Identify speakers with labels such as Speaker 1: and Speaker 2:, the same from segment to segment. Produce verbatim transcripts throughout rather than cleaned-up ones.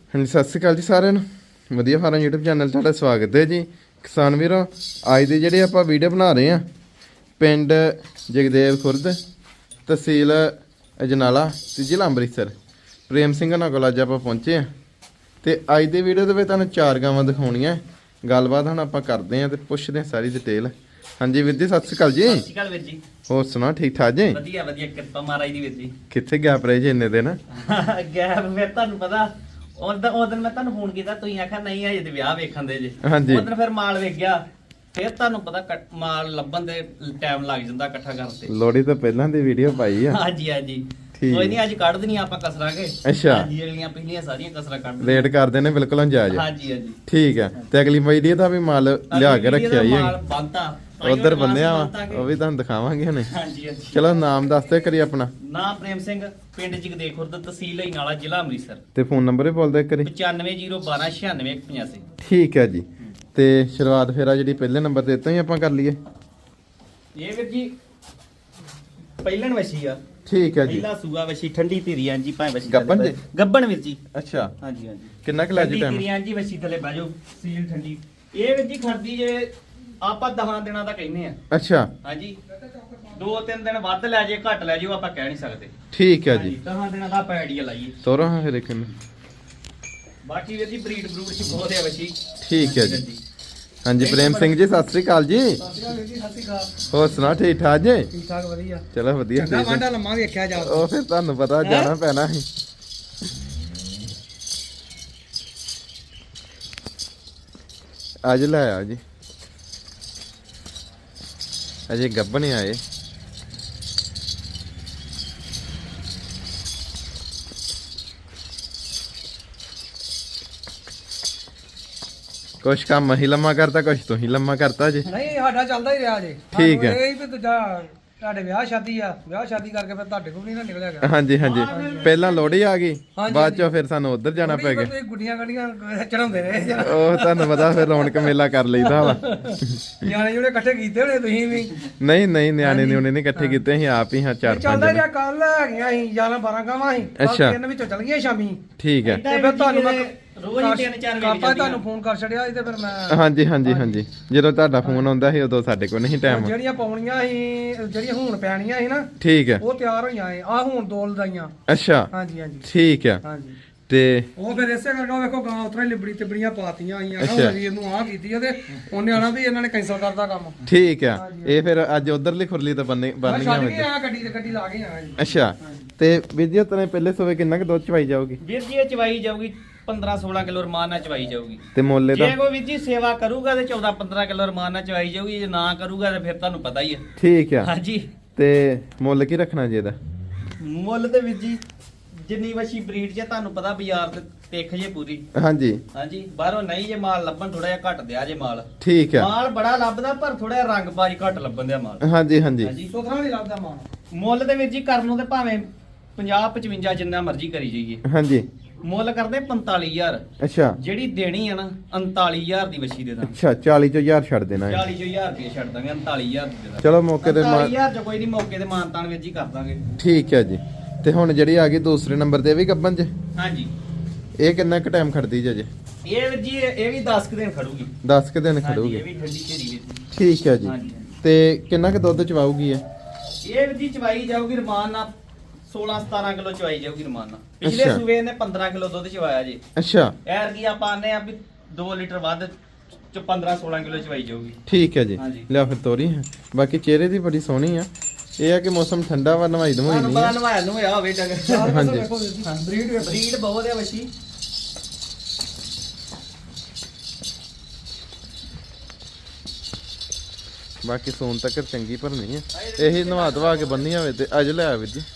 Speaker 1: ਹਾਂਜੀ ਸਤਿ ਸ਼੍ਰੀ ਅਕਾਲ ਜੀ ਸਾਰਿਆਂ ਨੂੰ। ਵਧੀਆ ਫਾਰਮ YouTube ਚੈਨਲ ਤੁਹਾਡਾ ਸਵਾਗਤ ਹੈ ਜੀ। ਕਿਸਾਨ ਵੀਰੋ, ਅੱਜ ਦੀ ਜਿਹੜੀ ਆਪਾਂ ਵੀਡੀਓ ਬਣਾ ਰਹੇ ਆ ਪਿੰਡ ਜਗਦੇਵ ਖੁਰਦ, ਤਹਿਸੀਲ ਅਜਨਾਲਾ ਤੇ ਜ਼ਿਲ੍ਹਾ ਅੰਮ੍ਰਿਤਸਰ, ਪ੍ਰੇਮ ਸਿੰਘ ਨਾਲ ਕੋਲ ਅੱਜ ਆਪਾਂ ਪਹੁੰਚੇ ਆ ਤੇ ਅੱਜ ਦੀ ਵੀਡੀਓ ਦੇ ਵਿੱਚ ਤੁਹਾਨੂੰ ਚਾਰ ਗਾਵਾਂ ਦਿਖਾਉਣੀਆਂ। ਗੱਲਬਾਤ ਹੁਣ ਆਪਾਂ ਕਰਦੇ ਆ ਤੇ ਪੁੱਛਦੇ ਆ ਸਾਰੀ ਡਿਟੇਲ। ਹਾਂਜੀ ਵੀਰ ਜੀ, ਸਤਿ ਸ਼੍ਰੀ ਅਕਾਲ ਜੀ।
Speaker 2: ਸਤਿ ਸ਼੍ਰੀ ਅਕਾਲ ਵੀਰ ਜੀ।
Speaker 1: ਹੋਰ ਸੁਣਾ, ਠੀਕ ਠਾਕ ਜੀ?
Speaker 2: ਵਧੀਆ ਵਧੀਆ, ਕਿਰਪਾ ਮਹਾਰਾਜ ਦੀ ਵੀਰ ਜੀ।
Speaker 1: ਕਿੱਥੇ ਗੈਪ ਰਹੇ ਜੀ ਇੰਨੇ ਦਿਨ?
Speaker 2: ਗੈਪ ਫਿਰ ਤੁਹਾਨੂੰ ਪਤਾ, ਉਦੋਂ ਉਦੋਂ ਮੈਂ ਤੁਹਾਨੂੰ ਫੋਨ ਕੀਤਾ, ਤੁਸੀਂ ਆਖਿਆ ਨਹੀਂ ਹਜੇ ਤੇ ਵਿਆਹ ਵੇਖਣ ਦੇ ਜੇ।
Speaker 1: ਹਾਂਜੀ।
Speaker 2: ਉਦੋਂ ਫਿਰ ਮਾਲ ਵੇਖ ਗਿਆ, ਫਿਰ ਤੁਹਾਨੂੰ ਪਤਾ ਕੱਟ- ਮਾਲ ਲੱਭਣ ਦੇ ਟਾਈਮ ਲੱਗ ਜਾਂਦਾ ਇਕੱਠਾ ਕਰਨ ਤੇ।
Speaker 1: ਲੋਹੜੀ ਤੋਂ ਪਹਿਲਾਂ ਦੀ ਵੀਡੀਓ ਪਾਈ ਆ।
Speaker 2: ਹਾਂਜੀ ਹਾਂਜੀ,
Speaker 1: ਠੀਕ।
Speaker 2: ਕੋਈ ਨਹੀਂ, ਅੱਜ ਕੱਢ ਦਨੀ ਆਪਾਂ ਕਸਰਾਂਗੇ।
Speaker 1: ਅੱਛਾ।
Speaker 2: ਹਾਂਜੀ, ਅਗਲੀਆਂ ਪਿਛਲੀਆਂ ਸਾਰੀਆਂ ਕਸਰਾਂ ਕੱਢ
Speaker 1: ਰੇਟ ਕਰਦੇ ਨੇ ਬਿਲਕੁਲ ਅੰਜਾਜ।
Speaker 2: ਹਾਂਜੀ ਹਾਂਜੀ,
Speaker 1: ਠੀਕ ਹੈ। ਤੇ ਅਗਲੀ ਵੀਡੀਓ ਦਾ ਵੀ ਮਾਲ ਲਿਆ ਕੇ ਰੱਖਿਆ ਹੀ
Speaker 2: ਮਾਲ ਬੰਦਾ
Speaker 1: ਉਧਰ ਬੰਨਿਆ ਵਾ, ਉਹ ਵੀ ਤੁਹਾਨੂੰ ਦਿਖਾਵਾਂਗੇ ਹੁਣੇ।
Speaker 2: ਹਾਂਜੀ ਹਾਂਜੀ।
Speaker 1: ਚਲੋ ਨਾਮ ਦੱਸ ਦਿਓ ਕਰੀ ਆਪਣਾ।
Speaker 2: ਨਾਮ ਪ੍ਰੇਮ ਸਿੰਘ, ਪਿੰਡ ਜਗਦੇਵ ਖੁਰਦ, ਤਹਿਸੀਲ ਅਜਨਾਲਾ, ਜ਼ਿਲ੍ਹਾ ਅੰਮ੍ਰਿਤਸਰ।
Speaker 1: ਤੇ ਫੋਨ ਨੰਬਰ ਵੀ ਬੋਲ ਦਿਓ ਕਰੀ।
Speaker 2: ਪਚਾਨਵੇਂ ਜ਼ੀਰੋ ਬਾਰਾਂ ਛਿਆਨਵੇਂ ਇੱਕ ਪਚਾਸੀ।
Speaker 1: ਠੀਕ ਹੈ ਜੀ। ਤੇ ਸ਼ੁਰੂਆਤ ਫੇਰ ਆ ਜਿਹੜੀ ਪਹਿਲੇ ਨੰਬਰ ਤੇ ਇੱਥੋਂ ਹੀ ਆਪਾਂ ਕਰ ਲਈਏ।
Speaker 2: ਇਹ ਵੀਰ ਜੀ ਪਹਿਲਣ ਵਛੀ ਆ।
Speaker 1: ਠੀਕ ਹੈ ਜੀ।
Speaker 2: ਪਹਿਲਾ ਸੂਆ ਵਛੀ, ਠੰਡੀ ਧੀਰੀਆਂ ਜੀ, ਭਾਵੇਂ ਵਛੀ
Speaker 1: ਗੱਭਣ
Speaker 2: ਥੱਲੇ
Speaker 1: ਜੀ?
Speaker 2: ਗੱਭਣ ਵੀਰ ਜੀ।
Speaker 1: ਅੱਛਾ,
Speaker 2: ਹਾਂਜੀ ਹਾਂਜੀ,
Speaker 1: ਕਿੰਨਾ ਕੁ ਲੈ ਜੀ
Speaker 2: ਠੰਡੀ
Speaker 1: ਟਾਈਮ?
Speaker 2: ਧੀਰੀਆਂ ਜੀ, ਵਛੀ ਥੱਲੇ ਬਹਿ ਜਾਓ, ਸੀਲ ਠੰਡੀ। ਇਹ ਵੀਰ ਜੀ ਖੜਦੀ ਜੇ ਆਪਾਂ ਦਹਾਂ ਦਿਨਾਂ ਦਾ ਕਹਿੰਦੇ ਆ।
Speaker 1: ਅੱਛਾ,
Speaker 2: ਹਾਂਜੀ, ਦੋ ਤਿੰਨ ਦਿਨ ਵੱਧ ਲੈ ਜੇ ਘੱਟ ਲੈ ਜਾਓ, ਆਪਾਂ ਕਹਿ ਨਹੀਂ ਸਕਦੇ।
Speaker 1: ਠੀਕ ਹੈ ਜੀ।
Speaker 2: ਦਹਾਂ ਦਿਨਾਂ ਦਾ ਆਪਾਂ ਆਈਡੀਆ ਲਾਈਏ।
Speaker 1: ਤੋਰੋ ਹਾਂ ਫਿਰ ਇੱਕ ਨੂੰ।
Speaker 2: ਬਾਕੀ ਵੀਰ ਜੀ ਬਰੀਡ ਬਰੂਡ ਚ ਬਹੁਤ ਆ ਵਛੀ।
Speaker 1: ਠੀਕ ਹੈ ਜੀ। ਹਾਂਜੀ ਪ੍ਰੇਮ ਸਿੰਘ ਜੀ, ਸਤਿ ਸ੍ਰੀ ਅਕਾਲ ਜੀ। ਹੋਰ ਸੁਣਾ, ਠੀਕ ਠਾਕ ਜੀ?
Speaker 3: ਠੀਕ ਠਾਕ, ਵਧੀਆ।
Speaker 1: ਚਲੋ ਵਧੀਆ।
Speaker 3: ਚੰਗਾ
Speaker 1: ਠੀਕ ਹੈ।
Speaker 3: ਵਾਂਡਾ ਲੰਮਾ ਵੇਖਿਆ ਜਾ।
Speaker 1: ਉਹ ਫਿਰ ਤੁਹਾਨੂੰ ਪਤਾ ਜਾਣਾ ਪੈਣਾ ਸੀ। ਅੱਜ ਲੈ ਆ ਜੀ, ਅਜੇ ਗੱਭਣ ਹੀ ਆਏ। ਕੁਛ ਕੰਮ ਹੀ ਲੰਮਾ ਕਰਤਾ, ਕੁਛ ਤੂੰ ਹੀ ਲੰਮਾ ਕਰਤਾ ਜੀ।
Speaker 3: ਨਹੀਂ, ਸਾਡਾ ਚੱਲਦਾ ਹੀ ਰਿਹਾ ਜੇ।
Speaker 1: ਠੀਕ ਹੈ।
Speaker 3: ਸਾਨੂੰ ਇਹ ਵੀ ਦੂਜਾ ਤੁਹਾਡੇ ਵਿਆਹ ਸ਼ਾਦੀ ਆ, ਵਿਆਹ ਸ਼ਾਦੀ ਕਰਕੇ ਫਿਰ ਤੁਹਾਡੇ ਕੋਲ ਨਹੀਂ ਨਾ ਨਿਕਲਿਆ ਗਿਆ।
Speaker 1: ਹਾਂਜੀ ਹਾਂਜੀ, ਪਹਿਲਾਂ ਲੋਹੜੀ ਆ ਗਈ,
Speaker 3: ਹਾਂਜੀ,
Speaker 1: ਬਾਅਦ ਚੋਂ ਫਿਰ ਸਾਨੂੰ ਉੱਧਰ ਜਾਣਾ ਪੈ ਗਿਆ।
Speaker 3: ਤੁਸੀਂ ਗੁੱਡੀਆਂ ਗੱਡੀਆਂ ਚੜਾਉਂਦੇ ਰਹੇ ਜਰਾ।
Speaker 1: ਉਹ ਤੁਹਾਨੂੰ ਪਤਾ ਫਿਰ ਰੌਣਕ ਮੇਲਾ ਕਰ ਲਈਦਾ ਵਾ।
Speaker 3: ਨਿਆਣੇ ਜਿਹੜੇ ਇਕੱਠੇ ਕੀਤੇ ਹੋਣੇ ਤੁਸੀਂ ਵੀ।
Speaker 1: ਨਹੀਂ ਨਹੀਂ, ਨਿਆਣੇ ਨਿਉਣੇ ਨਹੀਂ ਇਕੱਠੇ ਕੀਤੇ, ਅਸੀਂ ਆਪ ਹੀ ਹਾਂ ਚਾਰ ਪੰਜ
Speaker 3: ਚੱਲਦਾ
Speaker 1: ਜਣੇ।
Speaker 3: ਰਿਹਾ, ਕੱਲ ਹੈਗੀਆਂ ਸੀ ਗਿਆਰਾਂ ਬਾਰਾਂ ਗਾਵਾਂ ਸੀ। ਕੱਲ੍ਹ
Speaker 1: ਅੱਛਾ।
Speaker 3: ਤਿੰਨ ਵਿੱਚੋਂ ਚੱਲ ਗਈਆਂ ਸ਼ਾਮੀ।
Speaker 1: ਠੀਕ ਹੈ।
Speaker 3: ਤੇ ਫਿਰ ਤੁਹਾਨੂੰ ਮੈਂ
Speaker 2: ਰੋਜ਼ ਹੀ ਤਿੰਨ ਚਾਰ ਵੇਖ
Speaker 3: ਕਰਤਾ,
Speaker 2: ਜਾਂਦੀਆਂ।
Speaker 3: ਤੁਹਾਨੂੰ ਫੋਨ ਕਰ ਛੜਿਆ ਸੀ ਤੇ ਫਿਰ ਮੈਂ
Speaker 1: ਹਾਂਜੀ ਹਾਂਜੀ ਹਾਂਜੀ, ਜਦੋਂ ਤੁਹਾਡਾ ਫੋਨ ਆਉਂਦਾ ਸੀ ਉਦੋਂ ਸਾਡੇ ਕੋਲ ਨਹੀਂ ਟਾਈਮ।
Speaker 3: ਜਿਹੜੀਆਂ ਪਾਉਣੀਆਂ ਸੀ, ਜਿਹੜੀਆਂ ਹੁਣ ਪੈਣੀਆਂ ਸੀ ਨਾ,
Speaker 1: ਠੀਕ ਹੈ।
Speaker 3: ਉਹ ਤਿਆਰ ਹੋਈਆਂ ਏ। ਆ ਹੁਣ ਦੋ ਲਦਾਈਆਂ।
Speaker 1: ਅੱਛਾ,
Speaker 3: ਹਾਂਜੀ ਹਾਂਜੀ
Speaker 1: ਠੀਕ ਹੈ।
Speaker 3: ਹਾਂਜੀ।
Speaker 1: ਤੇ
Speaker 3: ਉਹ ਫਿਰ ਇਸੇ ਕਰਕੇ ਉਹ ਵੇਖੋ ਗਾਂ ਉਤਰਾ ਲਿਬੜੀ ਤਿਬੜੀਆਂ ਪਾਤੀਆਂ ਆਈਆਂ ਨਾ।
Speaker 1: ਅੱਛਾ।
Speaker 3: ਉਹ ਜੀ ਇਹਨੂੰ ਆਹ ਕੀਤੀ ਆ ਤੇ ਉਹਨੇ ਆਣਾ ਵੀ ਇਹਨਾਂ ਨੇ ਕੈਂਸਲ ਕਰਤਾ ਕੰਮ।
Speaker 1: ਠੀਕ ਹੈ, ਇਹ ਫਿਰ ਅੱਜ ਉਧਰਲੀ ਖੁਰਲੀ ਤਾਂ ਬੰਨੇ
Speaker 3: ਮੈਂ
Speaker 1: ਬੰਨੀਆਂ
Speaker 3: ਛੱਡ
Speaker 1: ਵਿੱਚ।
Speaker 3: ਕੇ ਆ ਗੱਡੀ ਤੇ ਗੱਡੀ ਲਾ ਕੇ ਆ ਜੀ।
Speaker 1: ਅੱਛਾ, ਤੇ ਵੀਰ ਜੀ ਤਨੇ ਪਹਿਲੇ ਸੋਵੇ ਕਿੰਨਾ ਕੁ ਦੁੱਧ ਚਵਾਈ ਜਾਊਗੀ?
Speaker 2: ਵੀਰ ਜੀ ਇਹ ਚਵਾਈ ਜਾਊਗੀ ਪੰਦਰਾਂ ਸੋਲਾਂ ਕਿਲੋ ਰਮਾਨ ਨਾਲ ਚਵਾਈ ਜਾਊਗੀ।
Speaker 1: ਤੇ ਮੁੱਲ
Speaker 2: ਜੇ
Speaker 1: ਇਹਦਾ?
Speaker 2: ਕੋਈ ਵੀਰ ਜੀ ਸੇਵਾ ਕਰੂਗਾ ਤੇ ਚੌਦਾਂ ਪੰਦਰਾਂ ਕਿਲੋ ਰਮਾਨ ਨਾਲ ਚਵਾਈ ਜਾਊਗੀ, ਜੇ ਨਾ ਕਰੂਗਾ ਤੇ ਫਿਰ ਤੁਹਾਨੂੰ ਪਤਾ ਹੀ ਹੈ।
Speaker 1: ਠੀਕ ਹੈ।
Speaker 2: ਹਾਂਜੀ,
Speaker 1: ਤੇ ਮੁੱਲ ਕੀ ਰੱਖਣਾ ਜੀ ਇਹਦਾ?
Speaker 2: ਮੁੱਲ ਤੇ ਵੀਰ ਜੀ ਜਿੰਨੀ ਵਛੀ ਬਰੀਡ ਜੇ ਤੁਹਾਨੂੰ ਪਤਾ ਬਾਜ਼ਾਰ ਤੇ ਤਿੱਖ ਜੇ ਪੂਰੀ।
Speaker 1: ਹਾਂਜੀ
Speaker 2: ਹਾਂਜੀ, ਬਾਹਰੋਂ ਨਹੀਂ ਜੇ ਮਾਲ ਲੱਭਣ, ਥੋੜਾ ਜਿਹਾ ਘੱਟ ਦਿਆ ਜੇ ਮਾਲ।
Speaker 1: ਠੀਕ ਹੈ।
Speaker 2: ਮਾਲ ਬੜਾ ਲੱਭਦਾ ਪਰ ਥੋੜਾ ਜਿਹਾ ਰੰਗਬਾਜ਼ ਘੱਟ ਲੱਭਣ ਦਿਆ ਮਾਲ।
Speaker 1: ਹਾਂਜੀ ਹਾਂਜੀ
Speaker 2: ਹਾਂਜੀ,
Speaker 3: ਸੁਥਰਾ ਨਹੀਂ ਲੱਗਦਾ ਮਾਨ।
Speaker 2: ਮੁੱਲ ਤੇ ਵੀਰ ਜੀ ਕਰਨ ਨੂੰ ਤੇ ਭਾਵੇਂ ਪੰਜਾਹ ਪਚਵੰਜਾ ਜਿੰਨਾ ਮਰਜ਼ੀ ਕਰੀ ਜਾਈਏ,
Speaker 1: ਹਾਂਜੀ।
Speaker 2: ਮੁੱਲ ਕਰਦੇ ਪੰਤਾਲੀ ਹਜ਼ਾਰ।
Speaker 1: ਅੱਛਾ
Speaker 2: ਜਿਹੜੀ ਦੇਣੀ ਆ ਨਾ ਉਨਤਾਲੀ ਹਜ਼ਾਰ ਦੀ ਵਛੀ ਦੇ ਦਾਂ।
Speaker 1: ਅੱਛਾ, ਚਾਲੀ ਚੋਂ ਹਜ਼ਾਰ ਛੱਡ ਦੇਣਾ ਹੈ।
Speaker 2: ਚਾਲੀ ਚੋਂ ਹਜ਼ਾਰ ਰੁਪਏ ਛੱਡ ਦਾਂਗੇ, ਉਨਤਾਲੀ ਹਜ਼ਾਰ ਦੀ ਦੇ ਦਾਂ।
Speaker 1: ਚਲੋ ਮੌਕੇ ਤੇ
Speaker 2: ਉਨਤਾਲੀ
Speaker 1: ਮਾ-
Speaker 2: ਹਜ਼ਾਰ ਚ ਕੋਈ ਨਹੀਂ, ਮੌਕੇ ਤੇ ਮਾਨਤਾਨ ਵੀਰ ਜੀ ਕਰ ਦਾਂਗੇ।
Speaker 1: ਠੀਕ ਹੈ ਜੀ। ਤੇ ਹੁਣ ਜਿਹੜੀ ਆ ਗਈ ਦੂਸਰੇ ਨੰਬਰ ਤੇ, ਇਹ ਵੀ ਗੱਬਨ ਚ,
Speaker 2: ਹਾਂਜੀ,
Speaker 1: ਇਹ ਕਿੰਨਾ ਕੁ ਟਾਈਮ ਖੜਦੀ ਜੇ?
Speaker 2: ਇਹ ਵੀਰ ਜੀ ਇਹ ਇਹ ਵੀ ਦਸ ਕੁ ਦਿਨ ਖੜੂਗੀ।
Speaker 1: ਦਸ ਕੁ ਦਿਨ
Speaker 2: ਹਾਂਜੀ,
Speaker 1: ਖੜੂਗੀ।
Speaker 2: ਇਹ ਵੀ ਠੰਡੀ ਢੇਰੀ ਵਿੱਚ।
Speaker 1: ਠੀਕ ਹੈ ਜੀ।
Speaker 2: ਹਾਂਜੀ,
Speaker 1: ਤੇ ਕਿੰਨਾ ਕੁ ਦੁੱਧ ਚਵਾਊਗੀ ਇਹ?
Speaker 2: ਇਹ ਵੀਰ ਜੀ ਚਵਾਈ ਜਾਊਗੀ ਰਮਾਨ ਨਾਲ ਸੋਲਾਂ ਸਤਾਰਾਂ ਕਿਲੋ ਚਵਾਈ ਜਾਊਗੀ ਰਮਾਨ ਨਾਲ। ਪਿਛਲੇ
Speaker 1: ਅੱਛਾ।
Speaker 2: ਸੂਬੇ ਨੇ ਪੰਦਰਾਂ ਕਿਲੋ ਦੁੱਧ ਚਵਾਇਆ ਜੀ।
Speaker 1: ਅੱਛਾ,
Speaker 2: ਐਰ ਕੀ ਆਪਾਂ ਆਨੇ ਆ ਵੀ ਦੋ ਲੀਟਰ ਵੱਧ ਚ ਪੰਦਰਾਂ ਸੋਲਾਂ ਕਿਲੋ ਚਵਾਈ ਜਾਊਗੀ।
Speaker 1: ਠੀਕ ਹੈ ਜੀ।
Speaker 2: ਹਾਂਜੀ।
Speaker 1: ਲਿਆ ਫਿਰ ਤੋਰੀ ਹੈ। ਬਾਕੀ ਚਿਹਰੇ ਦੀ ਬੜੀ ਸੋਹਣੀ ਆ। ਇਹ ਆ ਕਿ ਮੌਸਮ ਠੰਡਾ ਵਾ, ਨਵਾਈ ਦਵਾਈ
Speaker 2: ਤੁਹਾਨੂੰ
Speaker 1: ਨਹੀਂ
Speaker 2: ਪਤਾ
Speaker 1: ਆ।
Speaker 2: ਨਵਾਇਆ ਨੂੰ ਹੋਇਆ ਹੋਵੇ ਡੰਗਰ।
Speaker 1: ਹਾਂਜੀ।
Speaker 3: ਵੇਖੋ ਵੀਰ ਜੀ, ਬਰੀਡ ਵੇਖੋ।
Speaker 2: ਬਰੀਡ ਬਹੁਤ ਹੈ ਵਛੀ।
Speaker 1: ਬਾਕੀ ਸੋਨ ਤੱਕ ਚੰਗੀ ਭਰਨੀ ਹੈ। ਇਹੀ ਨਵਾ ਦਵਾ ਕੇ ਬੰਨੀ ਹੋਵੇ ਤੇ ਅੱਜ ਲੈ ਆ ਵੀਰ ਜੀ।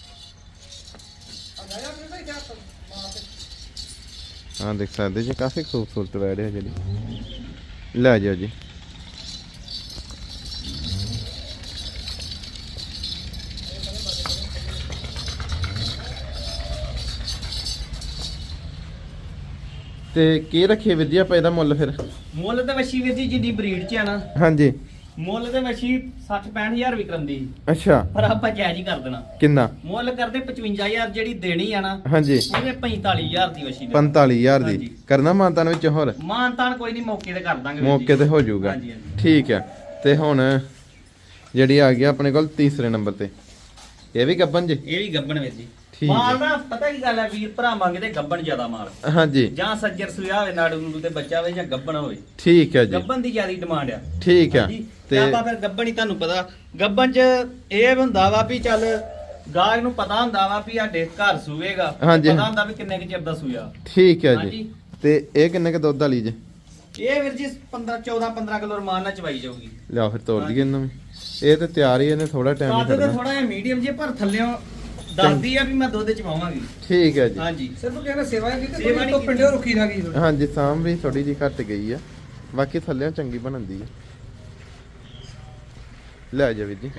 Speaker 1: ਹਾਂ ਦੇਖ ਸਕਦੇ ਜੀ, ਕਾਫੀ ਖੂਬਸੂਰਤ ਵੈੜ ਹੈ ਜਿਹੜੀ। ਲੈ ਜਾਓ ਜੀ। ਤੇ ਕੀ ਰੱਖੀਏ ਵੀਰ ਜੀ ਆਪਾਂ ਇਹਦਾ ਮੁੱਲ ਫਿਰ?
Speaker 2: ਮੁੱਲ ਤੇ ਵਛੀ ਵੀਰ ਜੀ ਜਿੰਨੀ ਬਰੀਡ ਚ ਆ ਨਾ,
Speaker 1: ਹਾਂਜੀ
Speaker 2: ਮੁੱਲ ਤੇ ਵਸ਼ੀ ਸੱਠ ਪੈਂਹਠ ਹਜ਼ਾਰ ਵੀ ਕਰੰਦੀ
Speaker 1: ਅੱਛਾ
Speaker 2: ਪਰ ਆਪਾਂ ਜਾਇਜ਼ ਹੀ ਕਰ ਦੇਣਾ।
Speaker 1: ਕਿੰਨਾ
Speaker 2: ਮੁੱਲ ਕਰਦੇ ਪਚਵੰਜਾ ਹਜ਼ਾਰ, ਜਿਹੜੀ ਦੇਣੀ ਆ ਨਾ
Speaker 1: ਹਾਂਜੀ
Speaker 2: ਉਹਦੇ ਪੈਂਤਾਲੀ ਹਜ਼ਾਰ ਦੀ ਵਸ਼ੀ ਦੇ
Speaker 1: ਪੰਤਾਲੀ ਹਜ਼ਾਰ ਦੀ
Speaker 2: ਹਾਂਜੀ।
Speaker 1: ਕਰਨਾ ਮਾਨਤਾਨ ਵਿੱਚ ਹੋਰ
Speaker 2: ਮਾਨਤਾਨ ਕੋਈ ਨਹੀਂ, ਮੌਕੇ ਤੇ ਕਰ ਦਾਂਗੇ ਵੀਰ ਜੀ।
Speaker 1: ਮੌਕੇ ਤੇ ਹੋ ਜਾਊਗਾ
Speaker 2: ਹਾਂਜੀ, ਹਾਂਜੀ।
Speaker 1: ਠੀਕ ਹੈ। ਤੇ ਹੁਣ ਜਿਹੜੀ ਆ ਗਈ ਆਪਣੇ ਕੋਲ ਤੀਸਰੇ ਨੰਬਰ ਤੇ, ਇਹ ਵੀ ਗੱਬਨ ਜੀ?
Speaker 2: ਇਹ ਵੀ ਗੱਬਣ ਵੀਰ ਜੀ।
Speaker 1: ਠੀਕ ਹੈ।
Speaker 2: ਮਾਲ ਨਾ ਪਤਾ ਕੀ ਗੱਲ ਹੈ ਵੀਰ ਭਰਾ ਮੰਗਦੇ ਗੱਬਣ ਜ਼ਿਆਦਾ ਮਾਲ,
Speaker 1: ਹਾਂਜੀ
Speaker 2: ਜਾਂ ਸੱਜਰ ਸੁਆ ਹੋਵੇ ਨਾੜੂ ਨੂੜੂ ਤੇ ਬੱਚਾ ਹੋਵੇ ਜਾਂ ਗੱਬਣ ਹੋਵੇ,
Speaker 1: ਠੀਕ ਹੈ ਜੀ
Speaker 2: ਗੱਬਣ ਦੀ ਜ਼ਿਆਦਾ ਡਿਮਾਂਡ ਆ।
Speaker 1: ਠੀਕ ਹੈ।
Speaker 2: ਹਾਂਜੀ,
Speaker 1: ਤੇ
Speaker 2: ਤੇ ਆਪਾਂ ਫਿਰ ਗੱਬਣ ਹੀ ਤੁਹਾਨੂੰ ਪਤਾ ਗੱਬਣ ਚ ਇਹ ਹੁੰਦਾ ਵਾ ਵੀ ਚੱਲ ਗਾਹਕ ਨੂੰ ਪਤਾ ਹੁੰਦਾ ਵਾ ਵੀ ਸਾਡੇ ਘਰ ਸੂਵੇਗਾ,
Speaker 1: ਹਾਂਜੀ।
Speaker 2: ਪਤਾ ਹੁੰਦਾ ਵੀ ਕਿੰਨੇ ਕੁ ਚਿਰ ਦਾ ਸੂਇਆ।
Speaker 1: ਠੀਕ ਹੈ ਜੀ।
Speaker 2: ਹਾਂਜੀ।
Speaker 1: ਤੇ ਇਹ ਕਿੰਨੇ ਕ ਦੁੱਧ ਵਾਲੀ ਜੀ?
Speaker 2: ਇਹ ਵੀਰ ਜੀ ਪੰਦਰਾਂ ਚੌਦਾਂ ਪੰਦਰਾਂ ਕਿਲੋ ਰਮਾਨ ਨਾਲ ਚਵਾਈ ਜਾਊਗੀ।
Speaker 1: ਲਿਆ ਫਿਰ ਤੋੜ ਦਈਏ ਇਹਨੂੰ ਵੀ। ਇਹ ਤੇ ਤਿਆਰ ਹੀ, ਇਹਨੇ ਥੋੜਾ ਟਾਈਮ ਹੀ
Speaker 2: ਕੱਦ ਤੇ
Speaker 1: ਖੜਨਾ।
Speaker 2: ਥੋੜਾ ਜਿਹਾ ਮੀਡੀਅਮ ਜੇ ਪਰ ਥੱਲਿਓਂ ਦੱਸਦੀ ਆ ਵੀ ਮੈਂ ਦੁੱਧ ਚਵਾਵਾਂਗੀ।
Speaker 1: ਠੀਕ ਹੈ ਜੀ।
Speaker 2: ਹਾਂਜੀ
Speaker 3: ਸਿਰਫ ਕਹਿੰਦੇ ਸੇਵਾ ਹੀ ਕੀਤੀ,
Speaker 2: ਸੇਵਾ
Speaker 3: ਕੋਈ
Speaker 2: ਨਹੀਂ
Speaker 3: ਤੋਂ ਪਿੰਡੋਂ ਰੁਕੀ ਨਾ ਗਈ।
Speaker 1: ਹਾਂਜੀ ਸਾਮ ਵੀ ਥੋੜੀ ਜੀ ਘੱਟ ਗਈ ਆ, ਬਾਕੀ ਥੱਲਿਓਂ ਚੰਗੀ ਬਣਦੀ ਆ। ਲੈ ਜਾ ਵੀਰ ਜੀ।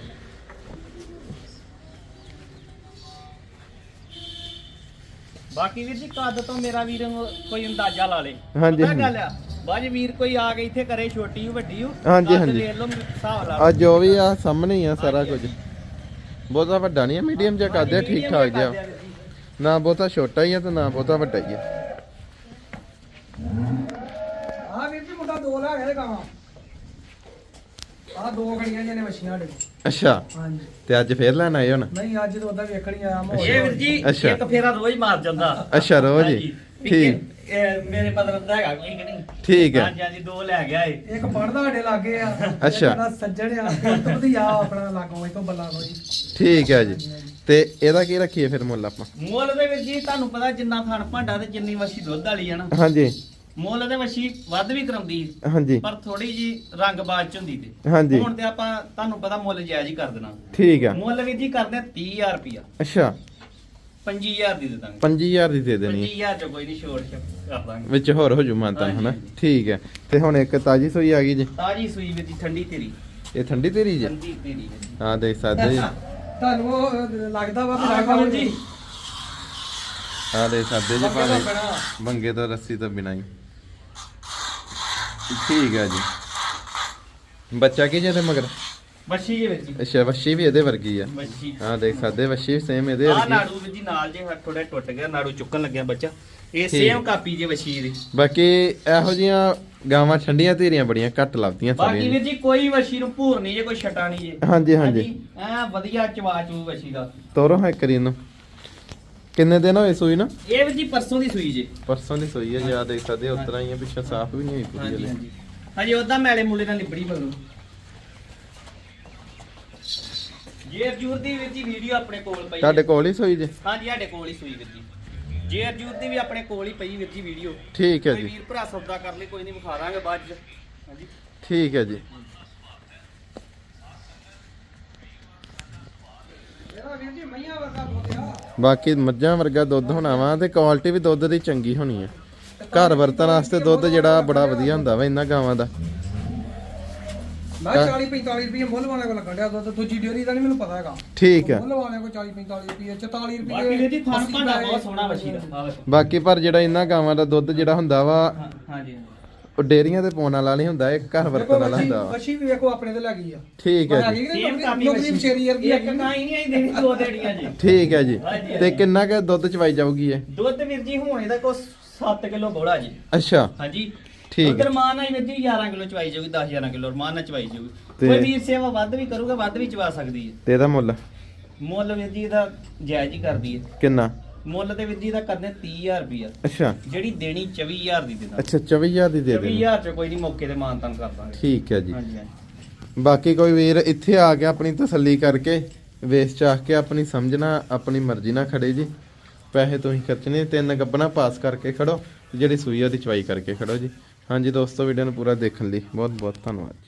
Speaker 2: ਬਾਕੀ ਵੀਰ ਜੀ ਕੱਦ ਤੋਂ ਮੇਰਾ ਵੀਰ ਕੋਈ ਅੰਦਾਜ਼ਾ ਲਾ ਲੇ।
Speaker 1: ਹਾਂਜੀ,
Speaker 2: ਪਤਾ
Speaker 1: ਹਾਂਜੀ।
Speaker 2: ਗੱਲ ਆ ਬਾਜ ਵੀਰ ਕੋਈ ਆ ਕੇ ਇੱਥੇ ਕਰੇ ਛੋਟੀ ਹੋ ਵੱਡੀ ਹੋ,
Speaker 1: ਹਾਂਜੀ,
Speaker 2: ਕੱਦ
Speaker 1: ਹਾਂਜੀ।
Speaker 2: ਵੇਖ ਲਓ ਹਿਸਾਬ ਲਾ
Speaker 1: ਆ
Speaker 2: ਲਓ।
Speaker 1: ਜੋ ਵੀ ਆ ਸਾਹਮਣੇ ਹੀ ਆ ਸਾਰਾ
Speaker 2: ਹਾਂਜੀ,
Speaker 1: ਕੁਝ।
Speaker 2: ਹਾਂਜੀ।
Speaker 1: ਬਹੁਤਾ ਵੱਡਾ ਨਹੀਂ ਆ, ਮੀਡੀਅਮ ਜਿਹਾ ਕਰਦੇ
Speaker 2: ਹਾਂਜੀ,
Speaker 1: ਠੀਕ
Speaker 2: medium
Speaker 1: ਠਾਕ
Speaker 2: ਜਿਹਾ
Speaker 1: ਜਿਹਾ।
Speaker 2: ਕਰਦੇ ਆ ਵੀਰ ਜੀ।
Speaker 1: ਨਾ ਬਹੁਤਾ ਛੋਟਾ ਹੀ ਆ ਤੇ ਨਾ ਬਹੁਤਾ ਵੱਡਾ ਹੀ ਆ।
Speaker 3: ਆਹ ਵੀਰ ਜੀ ਮੁੰਡਾ ਦੋ ਲੈ ਗਿਆ ਤੇ ਗਾਵਾਂ। ਆਹ ਦੋ ਖੜੀਆਂ ਜਿਹਨੇ ਮੱਛੀਆਂ ਸਾਡੇ ਕੋਲ।
Speaker 1: ਅੱਛਾ
Speaker 3: ਹਾਂਜੀ।
Speaker 1: ਤੇ ਅੱਜ ਫੇਰ ਲੈਣ ਆਏ ਹੁਣ?
Speaker 3: ਨਹੀਂ ਅੱਜ ਤੋਂ ਉਹਦਾ ਵੇਖਣ ਹੀ ਆਇਆ ਮਾਹੌਲ।
Speaker 2: ਇਹ ਵੀਰ ਜੀ
Speaker 1: ਅੱਛਾ।
Speaker 2: ਇੱਕ ਫੇਰਾ ਰੋਜ਼ ਮਾਰ ਜਾਂਦਾ।
Speaker 1: ਅੱਛਾ ਰੋਜ਼ ਹੀ?
Speaker 2: ਹਾਂਜੀ।
Speaker 1: ਠੀਕ
Speaker 2: ਇਹ ਮੇਰੇ ਮਤਲਬ ਦਾ ਹੈਗਾ ਕੋਈ ਕਿ ਨਹੀਂ।
Speaker 1: ਠੀਕ ਹੈ।
Speaker 2: ਹਾਂਜੀ ਹਾਂਜੀ ਦੋ ਲੈ ਗਿਆ ਏ।
Speaker 3: ਇੱਕ ਪੜਦਾ ਸਾਡੇ ਲਾਗੇ ਆ।
Speaker 1: ਅੱਛਾ।
Speaker 3: ਇੱਕ ਦਾ ਸੱਜਣ ਆ, ਇੱਕ ਤੋਂ ਵਧੀਆ ਆਪਣਾ ਲਾਗੋਂ ਇਤੋਂ ਬੱਲਾ ਕੋਈ।
Speaker 1: ਠੀਕ ਹੈ ਜੀ। ਤੇ ਇਹਦਾ ਕੀ ਰੱਖੀਏ ਫਿਰ ਮੁੱਲ ਆਪਾਂ?
Speaker 2: ਮੁੱਲ ਦੇ ਵਿੱਚ ਜੀ ਤੁਹਾਨੂੰ ਪਤਾ ਜਿੰਨਾ ਖਾਣ ਭਾਂਡਾ ਤੇ ਜਿੰਨੀ ਵਸ਼ੀ ਦੁੱਧ ਵਾਲੀ ਆ ਨਾ,
Speaker 1: ਹਾਂਜੀ
Speaker 2: ਮੁੱਲ ਦੇ ਵਸ਼ੀ ਵੱਧ ਵੀ ਕਰਾਉਂਦੀ
Speaker 1: ਹਾਂਜੀ
Speaker 2: ਪਰ ਥੋੜੀ ਜੀ ਰੰਗਬਾਜ਼ ਚ ਹੁੰਦੀ ਤੇ
Speaker 1: ਹਾਂਜੀ।
Speaker 2: ਹੁਣ ਤੇ ਆਪਾਂ ਤੁਹਾਨੂੰ ਪਤਾ ਮੁੱਲ ਜਾਇਜ਼ ਹੀ ਕਰ ਦੇਣਾ।
Speaker 1: ਠੀਕ ਆ।
Speaker 2: ਮੁੱਲ ਵੀਰ ਜੀ ਕਰਦੇ ਤੀਹ ਹਜ਼ਾਰ ਰੁਪਿਆ,
Speaker 1: ਅੱਛਾ
Speaker 2: ਪੱਚੀ ਹਜ਼ਾਰ ਦੀ ਦੇ ਦਾਂਗੇ।
Speaker 1: ਪੰਜੀ ਹਜ਼ਾਰ ਦੀ ਦੇ ਦੇਣੀ
Speaker 2: ਪੱਚੀ ਹਜ਼ਾਰ ਚ ਕੋਈ ਨਹੀਂ ਛੋੜ ਕਰ ਦਾਂਗੇ।
Speaker 1: ਵਿੱਚ ਹੋਰ ਹੋ ਜੂ ਮਾਨਤਾ
Speaker 2: ਹਾਂਜੀ,
Speaker 1: ਹਨਾ।
Speaker 2: ਹਾਂਜੀ।
Speaker 1: ਠੀਕ ਹੈ। ਤੇ ਹੁਣ ਇੱਕ ਤਾਜੀ ਸੂਈ ਆ ਗਈ ਜੀ।
Speaker 2: ਤਾਜੀ ਸੂਈ ਵੀਰ ਜੀ ਠੰਡੀ ਤੇਰੀ,
Speaker 1: ਇਹ ਠੰਡੀ ਤੇਰੀ ਜੀ?
Speaker 2: ਠੰਡੀ ਤੇਰੀ ਵੀਰ ਜੀ।
Speaker 1: ਹਾਂ ਦੇਖ ਸਕਦੇ ਜੀ।
Speaker 3: ਤੁਹਾਨੂੰ ਉਹ ਲੱਗਦਾ ਵਾ ਵੀ
Speaker 2: ਆਹ
Speaker 3: ਲੱਗਦਾ
Speaker 2: ਲਓ ਜੀ।
Speaker 1: ਹਾਂ ਦੇਖ ਸਕਦੇ ਜੀ
Speaker 3: ਬੰਗੇ ਤੋਂ
Speaker 1: ਭਾਵੇਂ
Speaker 3: ਬਿਨਾਂ।
Speaker 1: ਬੰਗੇ ਤੋਂ ਰੱਸੀ ਤੋਂ ਬਿਨਾਂ ਹੀ। ਠੀਕ ਹੈ ਜੀ। ਬੱਚਾ ਕੀ ਜਿਹਦੇ ਮਗਰ?
Speaker 2: ਵੱਛੀ ਜੇ ਵੀਰ ਜੀ,
Speaker 1: ਅੱਛਾ ਵੱਛੀ ਵੀ ਇਹਦੇ ਵਰਗੀ ਆ।
Speaker 2: ਵੱਛੀ।
Speaker 1: ਹਾਂ ਦੇਖ ਸਕਦੇ ਵੱਛੀ ਸੇਮ ਇਹਦੇ
Speaker 2: ਆਹ
Speaker 1: ਵਰਗੀ।
Speaker 2: ਨਾੜੂ ਵੀਰ ਜੀ ਨਾਲ ਜੇ ਥੋੜਾ ਟੁੱਟ ਗਿਆ, ਨਾੜੂ ਚੁੱਕਣ ਲੱਗਿਆ ਬੱਚਾ। ਇਹ
Speaker 1: ਠੀਕ।
Speaker 2: ਸੇਮ ਕਾਪੀ ਜੇ ਵੱਛੀ ਦੀ।
Speaker 1: ਬਾਕੀ ਇਹੋ ਜੀਆਂ ਗਾਵਾਂ ਠੰਡੀਆਂ ਧੀਰੀਆਂ ਬੜੀਆਂ ਘੱਟ ਲੱਭਦੀਆਂ
Speaker 2: ਬਾਕੀ
Speaker 1: ਸਾਰੀਆਂ
Speaker 2: ਵੀਰ ਜੀ ਕੋਈ ਵੱਛੀ ਨੂੰ ਭੂਰ ਨਹੀਂ ਜੇ, ਕੋਈ ਛਟਾ ਨਹੀਂ ਜੇ।
Speaker 1: ਹਾਂਜੀ, ਹਾਂਜੀ।
Speaker 2: ਐ ਵਧੀਆ ਚਵਾ ਚੂ ਵੱਛੀ ਦਾ।
Speaker 1: ਤੋਰੋ ਹਾਂ ਕਰੀ ਇਹਨੂੰ। ਕਿੰਨੇ ਦਿਨ ਹੋਏ ਸੂਈ ਨਾ?
Speaker 2: ਇਹ ਵੀਰ ਜੀ ਪਰਸੋਂ ਦੀ ਸੂਈ ਜੇ।
Speaker 1: ਪਰਸੋਂ ਦੀ ਸੂਈ ਹੈ ਜੀ। ਆ ਦੇਖ ਸਕਦੇ ਉਤਰਾ ਹੀ ਆ, ਪਿੱਛੇ ਸਾਫ਼ ਵੀ ਨਹੀਂ ਹੋਈ ਪੂਰੀ
Speaker 2: ਹਾਂਜੀ
Speaker 1: ਹਲੇ।
Speaker 2: ਹਾਂਜੀ ਹਾਂਜੀ ਉਹਦਾ ਮੈਲੇ ਮੂਲੇ ਨਾਲ ਲਿਬੜੀ ਬਗਲੂ। ਜੇਰ ਜੂਰ ਦੀ ਵੀਰ ਜੀ ਵੀਡੀਓ ਆਪਣੇ ਕੋਲ ਪਈ
Speaker 1: ਤੁਹਾਡੇ
Speaker 2: ਹੈ।
Speaker 1: ਕੋਲ ਹੀ ਸੂਈ ਜੀ?
Speaker 2: ਹਾਂਜੀ ਸਾਡੇ ਕੋਲ ਹੀ ਸੂਈ ਵੀਰ ਜੀ। ਜੇਰ ਜੂਰ ਦੀ ਵੀ ਆਪਣੇ ਕੋਲ ਹੀ ਪਈ ਵੀਰ ਜੀ ਵੀਡੀਓ।
Speaker 1: ਠੀਕ ਹੈ
Speaker 2: ਕੋਈ
Speaker 1: ਜੀ।
Speaker 2: ਵੀਰ ਭਰਾ ਸੌਦਾ ਕਰ ਲਈ ਕੋਈ ਨਹੀਂ, ਵਿਖਾ ਦਾਂਗੇ ਬਾਅਦ ਚ। ਹਾਂਜੀ
Speaker 1: ਠੀਕ ਹੈ ਜੀ।
Speaker 3: ਇਹਦਾ ਵੀਰ ਜੀ ਮਈਆਂ ਵਰਗਾ ਦੁੱਧ ਆ।
Speaker 1: ਬਾਕੀ ਮੱਝਾਂ ਵਰਗਾ ਦੁੱਧ ਹੋਣਾ ਵਾ ਤੇ ਕੁਆਲਿਟੀ ਵੀ ਦੁੱਧ ਦੀ ਚੰਗੀ ਹੋਣੀ ਹੈ। ਘਰ ਵਰਤਣ ਵਾਸਤੇ ਦੁੱਧ ਜਿਹੜਾ ਬੜਾ ਵਧੀਆ ਹੁੰਦਾ ਵਾ ਇਹਨਾਂ ਗਾਵਾਂ ਦਾ।
Speaker 3: ਮੈਂ ਚਾਲੀ ਪੰਤਾਲੀ ਰੁਪਏ ਮੁੱਲ ਵਾਲੇ ਕੋਲ ਲੱਗਣ ਡਿਆ ਦੁੱਧ। ਦੂਜੀ ਡੇਅਰੀ ਦਾ ਨਹੀਂ ਮੈਨੂੰ ਪਤਾ ਹੈਗਾ।
Speaker 1: ਠੀਕ ਹੈ।
Speaker 3: ਮੁੱਲ ਵਾਲੇ ਕੋਲ ਚਾਲੀ ਪੰਤਾਲੀ ਰੁਪਏ, ਚੁਤਾਲੀ ਰੁਪਏ।
Speaker 2: ਬਾਕੀ ਵੀਰ ਜੀ ਥਣ ਭਾਂਡਾ ਬਹੁਤ ਸੋਹਣਾ ਵੱਛੀ ਦਾ। ਆਹ ਵੇਖੋ।
Speaker 1: ਬਾਕੀ ਪਰ ਜਿਹੜਾ ਇਹਨਾਂ ਗਾਵਾਂ ਦਾ ਦੁੱਧ ਜਿਹੜਾ ਹੁੰਦਾ ਵਾ
Speaker 2: ਹਾਂ- ਹਾਂਜੀ
Speaker 1: ਉਹ ਡੇਰੀਆਂ ਤੇ ਪਾਉਣ ਵਾਲਾ ਨਹੀਂ ਹੁੰਦਾ, ਇਹ ਘਰ ਵਰਤਣ ਵਾਲਾ ਹੁੰਦਾ ਵਾ।
Speaker 3: ਵੱਛੀ ਵੀ ਵੇਖੋ ਆਪਣੇ ਤੇ ਲੱਗੀ ਆ।
Speaker 1: ਠੀਕ ਹੈ
Speaker 3: ਪਰ
Speaker 1: ਜੀ।
Speaker 3: ਹੈਗੀ ਕਿ
Speaker 2: ਸੇਮ
Speaker 3: ਨਹੀਂ
Speaker 2: ਕਾਪੀ
Speaker 3: ਨੌਕਰੀ ਵਿਚੇਰੀ ਵਰਗੀ
Speaker 2: ਇੱਕ
Speaker 3: ਹੈਗੀ।
Speaker 2: ਕਾਈ ਨਹੀਂ ਆਈ ਦੇਣੀ, ਦੋ ਦੇੜੀਆਂ ਜੀ।
Speaker 1: ਠੀਕ ਹੈ ਜੀ।
Speaker 2: ਹਾਂਜੀ,
Speaker 1: ਤੇ
Speaker 2: ਹਾਂਜੀ।
Speaker 1: ਕਿੰਨਾ ਕੁ ਦੁੱਧ ਚਵਾਈ ਜਾਊਗੀ ਇਹ?
Speaker 2: ਦੁੱਧ ਵੀਰ ਜੀ ਹੁਣ ਇਹਦਾ ਕੋ ਸੱਤ ਕਿਲੋ ਬੋੜਾ ਜੀ।
Speaker 1: ਅੱਛਾ
Speaker 2: ਹਾਂਜੀ
Speaker 1: ਠੀਕ ਹੈ।
Speaker 2: ਉਧਰ ਮਾਨ ਆਈ ਵੀਰ ਜੀ ਗਿਆਰਾਂ ਕਿਲੋ ਚਵਾਈ ਜਾਊਗੀ, ਦਸ ਗਿਆਰਾਂ ਕਿਲੋ ਮਾਨ ਨਾਲ ਚਵਾਈ ਜਾਊਗੀ।
Speaker 1: ਤੇ-
Speaker 2: ਕੋਈ ਵੀਰ ਸੇਵਾ ਵੱਧ ਵੀ ਕਰੂਗਾ, ਵੱਧ ਵੀ ਚਵਾ ਸਕਦੀ ਹੈ।
Speaker 1: ਤੇ ਇਹਦਾ ਮੁੱਲ
Speaker 2: ਮੁੱਲ ਵੀਰ ਜੀ ਇਹਦਾ ਜਾਇਜ਼ ਹੀ ਕਰਦੀ ਹੈ।
Speaker 1: ਕਿੰਨਾ?
Speaker 2: ਮੁੱਲ ਤੇ ਵੀਰ ਜੀ ਇਹਦਾ ਕਰਨੇ ਤੀਹ ਹਜ਼ਾਰ ਰੁਪਇਆ,
Speaker 1: ਅੱਛਾ
Speaker 2: ਜਿਹੜੀ ਦੇਣੀ ਚੌਵੀ ਹਜ਼ਾਰ ਦੀ ਦੇ ਦਾਂਗੇ।
Speaker 1: ਅੱਛਾ ਚੌਵੀ ਹਜ਼ਾਰ ਦੀ ਦੇ
Speaker 2: ਚੌਵੀ
Speaker 1: ਦੇਣੀ।
Speaker 2: ਹਜ਼ਾਰ ਚ ਕੋਈ ਨਹੀਂ, ਮੌਕੇ ਤੇ ਮਾਨ ਤਾਨ ਕਰ ਦਾਂਗੇ।
Speaker 1: ਠੀਕ ਹੈ ਜੀ।
Speaker 2: ਹਾਂਜੀ ਹਾਂਜੀ
Speaker 1: ਬਾਕੀ ਕੋਈ ਵੀਰ ਇੱਥੇ ਆ ਕੇ ਆਪਣੀ ਤਸੱਲੀ ਕਰਕੇ ਵੇਚ ਚਾਹ ਕੇ ਆਪਣੀ ਸਮਝਣਾ ਆਪਣੀ ਮਰਜ਼ੀ ਨਾਲ ਖੜੇ ਜੀ। ਪੈਸੇ ਤੁਸੀਂ ਖਰਚਣੇ, ਤਿੰਨ ਗੱਬਣਾ ਪਾਸ ਕਰਕੇ ਖੜੋ, ਜਿਹੜੀ ਸੂਈ ਆ ਦੀ ਚਵਾਈ ਕਰਕੇ ਖੜੋ ਜੀ। ਹਾਂਜੀ ਦੋਸਤੋ, ਵੀਡੀਓ ਨੂੰ ਪੂਰਾ ਦੇਖਣ ਲਈ ਬਹੁਤ ਬਹੁਤ ਧੰਨਵਾਦ।